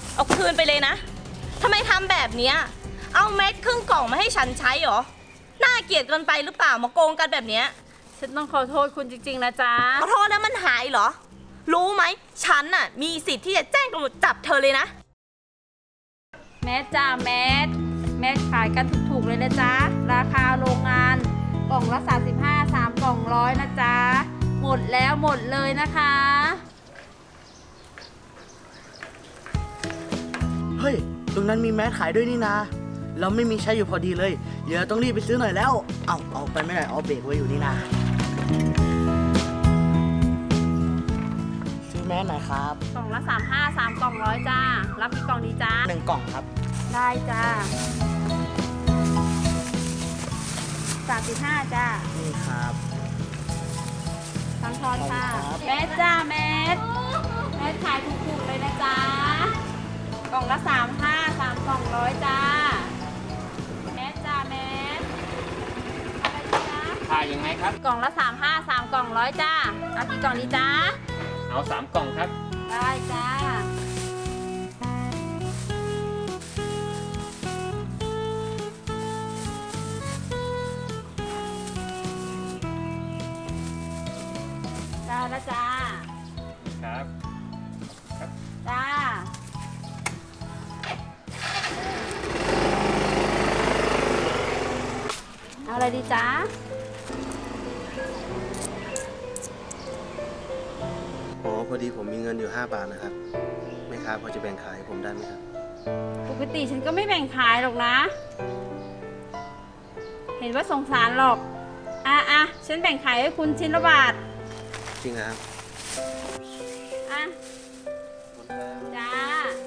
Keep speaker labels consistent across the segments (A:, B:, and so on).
A: เอาคืนไปเลยนะทำไมทำแบบเนี้ยเอาเม็ดครึ่งกล่องมาให้ฉันใช้เหรอน่าเกลียดเกินไปหรือเปล่ามาโกงกันแบบเนี้ย
B: ฉันต้องขอโทษคุณจริงๆนะจ๊ะ
A: ขอโทษแล้วมันหายเหรอรู้ไหมฉันน่ะมีสิทธิ์ที่จะแจ้งตำรวจจับเธอเลยนะ
B: แมสจ้าแมสขายกันถูกๆเลยนะจ๊ะราคาโรงงานกล่องละ35 3กล่อง100นะจ๊ะหมดแล้วหมดเลยนะคะ
C: เฮ้ยตรงนั้นมีแมสขายด้วยนี่นาเราไม่มีใช้อยู่พอดีเลยเดี๋ยวต้องรีบไปซื้อหน่อยแล้วเอาไปไม่ได้เอาเบรกไว้อยู่นี่นาซื้อแมสหน่อยครับ
B: กล่องละ35 3กล่อง100จ้ารับกี่กล่องดีจ้า
C: 1 กล่องครับ
B: ได้จ้า35จ้า
C: นี่ครับ
B: ทั้งทอนค่ะแมสจ้าแมสขายถูกๆเลยนะจ๊ะกล่องละ35 3กล่อง100จ้าแมสจ้าแมสอะไรดีจ๊ะ
D: ขายยังไงครับ
B: กล่องละ35 3กล่อง100จ้าเอากี่กล่องดีจ้า
D: เอา3 กล่องครับ
B: ได้จ้าได้แล้วจ้า
D: ครับ
B: จ้าเอาอะไรดีจ้า
E: อ๋อพอดีผมมีเงินอยู่5 บาทนะครับแม่ค้าพอจะแบ่งขายให้ผมได้ไหมครับ
B: ปกติฉันก็ไม่แบ่งขายหรอกนะเห็นว่าสงสารหรอกฉันแบ่งขายให้คุณชิ้นละบาท
E: จริงนะครับ
B: จ้า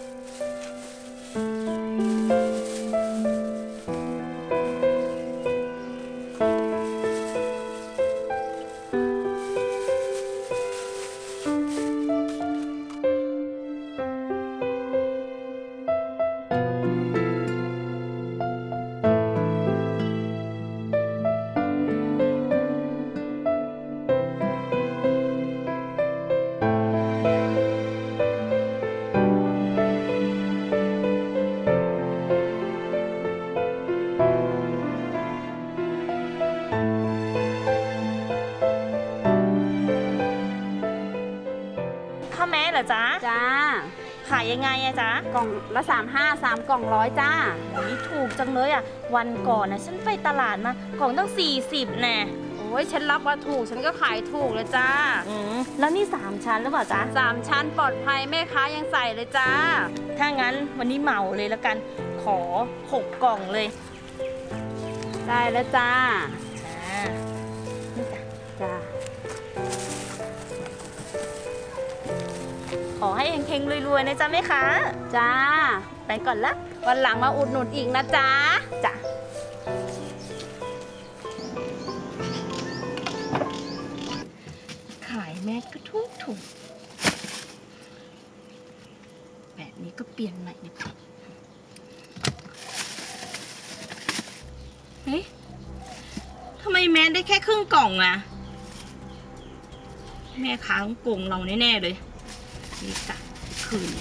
A: ข้าวแม้เหรอจ๊ะ
B: จ้า
A: ขายยังไงอะจ๊ะ
B: กล่องละ35 3กล่อง100จ้า
A: นี่ถูกจังเลยอะวันก่อนนะฉันไปตลาดมากล่องตั้ง40แน่
B: โอ้ยฉันรับว่าถูกฉันก็ขายถูกเลยจ้า
A: แล้วนี่3ชั้นหรือเปล่าจ๊ะ
B: 3ชั้นปลอดภัยแม่ค้ายังใส่เลยจ้า
A: ถ้างั้นวันนี้เหมาเลยแล้วกันขอ6 กล่องเลย
B: ได้แล้วจ้าจ้า
A: ขอให้เฮงๆรวยๆนะจ๊ะแม่ค้า
B: จ้า
A: ไปก่อนละ
B: วันหลังมาอุดหนุนอีกนะจ๊ะ
A: จ้ะขายแมสก็ถูกแบบนี้ก็เปลี่ยนใหม่ดีกว่าเฮ้ยทำไมแมสได้แค่ครึ่งกล่องอะแม่ค้าต้องโกงเราแน่ๆเลยนี่จ้ะคืน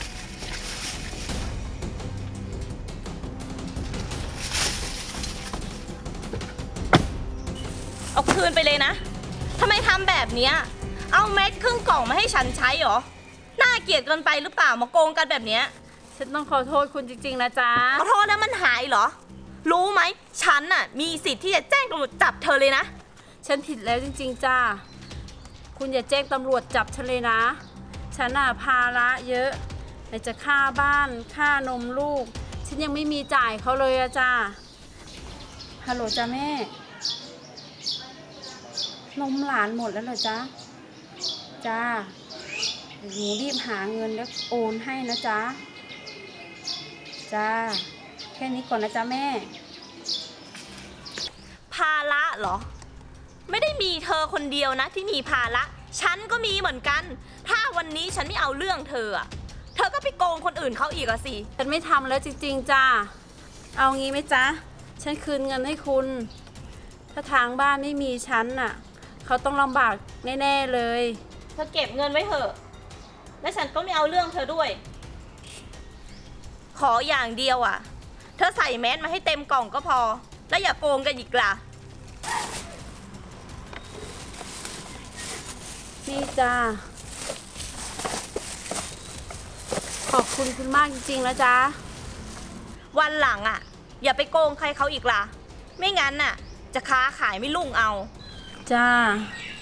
A: เอาคืนไปเลยนะทำไมทำแบบเนี้ยเอาเม็ดครึ่งกล่องมาให้ฉันใช้เหรอน่าเกลียดเกินไปหรือเปล่ามาโกงกันแบบเนี้ย
B: ฉันต้องขอโทษคุณจริงๆนะจ๊ะ
A: ขอโทษแล้วมันหายเหรอรู้ไหมฉันน่ะมีสิทธิ์ที่จะแจ้งตำรวจจับเธอเลยนะ
B: ฉันผิดแล้วจริงๆจ้าคุณอย่าแจ้งตำรวจจับฉันเลยนะฉันภาระเยอะไหนจะค่าบ้านค่านมลูกฉันยังไม่มีจ่ายเขาเลยอะจ้าฮัลโหลจ้าแม่นมหลานหมดแล้วเหรอจ๊ะจ้าหนูรีบหาเงินแล้วโอนให้นะจ๊ะจ้าแค่นี้ก่อนนะจ๊ะแม่
A: ภาระเหรอไม่ได้มีเธอคนเดียวนะที่มีภาระฉันก็มีเหมือนกันถ้าวันนี้ฉันไม่เอาเรื่องเธอก็ไปโกงคนอื่นเขาอีกอะสิ
B: ฉันไม่ทำแล้วจริงๆจ้าเอางี้ไหมจ๊ะฉันคืนเงินให้คุณถ้าทางบ้านไม่มีฉันน่ะเขาต้องลำบากแน่ๆเลย
A: เธอเก็บเงินไว้เถอะและฉันก็ไม่เอาเรื่องเธอด้วยขออย่างเดียวอ่ะ เธอใส่แมสมาให้เต็มกล่องก็พอ แล้วอย่าโกงกันอีกล่ะ
B: นี่จ้าขอบคุณคุณมากจริงๆนะจ๊ะ
A: วันหลังอ่ะ อย่าไปโกงใครเขาอีกล่ะ ไม่งั้นน่ะ จะค้าขายไม่รุ่งเอา
B: จ้า